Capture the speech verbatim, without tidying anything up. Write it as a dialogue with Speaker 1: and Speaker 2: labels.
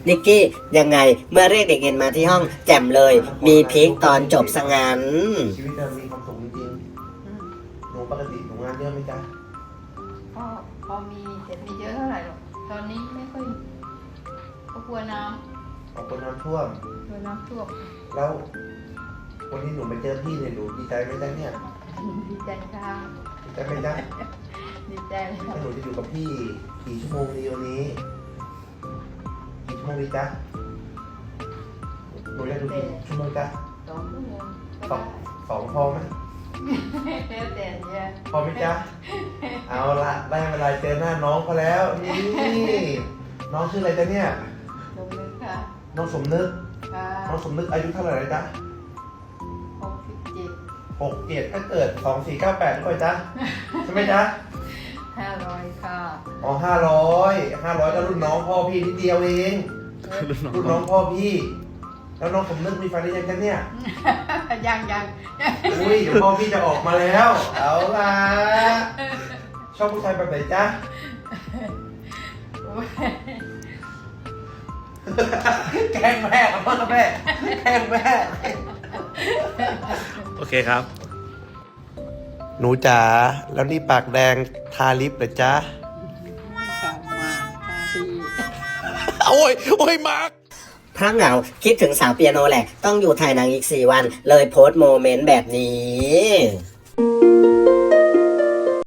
Speaker 1: นิกกี้ยังไงเมื่อเรียกเด็กเอ็นมาที่ห้องแจ่มเลย มีพีคตอนจบสงัน
Speaker 2: ชีวิตเรามีความสุขจริงๆหนูปกติหนูงานเยอะไหมจ๊ะ
Speaker 3: ก็พอมีแต่ไม่เยอะเท่าไหร่หรอกตอนนี้ไม่ค่อยก็กลัวน้
Speaker 2: ขอบคุณน้ำท่วม
Speaker 3: ำกลัวน้ำท่วม
Speaker 2: แล้ววันนี้หนูมาเจอพี่เนี่ยหนูดีใจไหมจ๊ะเนี่ย
Speaker 3: ดีใจค่ะ
Speaker 2: ดีใจไหมจ๊ะ
Speaker 3: ดีใจเลย
Speaker 2: ถ้าหนูจะอยู่กับพี่กี่ชั่วโมงดีวันนี้กี่ชั่วโมงดีจ๊ะหนูจะอยู่กี่ชั่วโมงจ๊ะ
Speaker 3: สองชั่วโมง
Speaker 2: สอง
Speaker 3: ก็ได้
Speaker 2: สองพอไหม
Speaker 3: แล้วแต่เนี่ย
Speaker 2: พอไหมจ๊ะเอาละได้เวลาเจอหน้าน้องเขาแล้วนี่น้องชื่ออะไรจ๊ะเนี่ย
Speaker 3: ลงเลยค่ะ
Speaker 2: น้องสมนึก
Speaker 3: ค่ะ
Speaker 2: น้องสมนึกอายุเท่าไหร่แล้วจ๊ะ
Speaker 3: หกสิบเจ็ด
Speaker 2: หกเจ็ดถ้าเกิดสองสี่เก้าแปดหรือเปล่าจ๊ะใช่ไหมจ๊ะ
Speaker 3: ห้าร้อยค่ะ
Speaker 2: อ๋อห้าร้อยห้าร้อยก็รุ่นน้องพ่อพี่นิดเดียวเองรุ่นน้องพ่อพี่ แล้วน้องสมนึกมีแฟนหรือยังจ๊ะเนี่ย
Speaker 3: ยังยัง
Speaker 2: อุ้ยเดี๋ยวพ่อพี่จะออกมาแล้ว เอาล่ะชอบผู้ชายแบบไหนจ๊ะแกล้งแม่ครับพ่อกับแม่แกล้งแม่โอเคครับ หนูจ๋าแล้วนี่ปากแดงทาลิปเหรอจ๊ะ
Speaker 3: ค่ะมาค่ะพี่
Speaker 2: โอ้ยโอ้ยมาร์ค
Speaker 1: เพราะเหงาคิดถึงสาวเปียโนแหละ ต้องอยู่ถ่ายหนังอีกสี่วัน เลยโพสต์โมเมนต์แบบนี้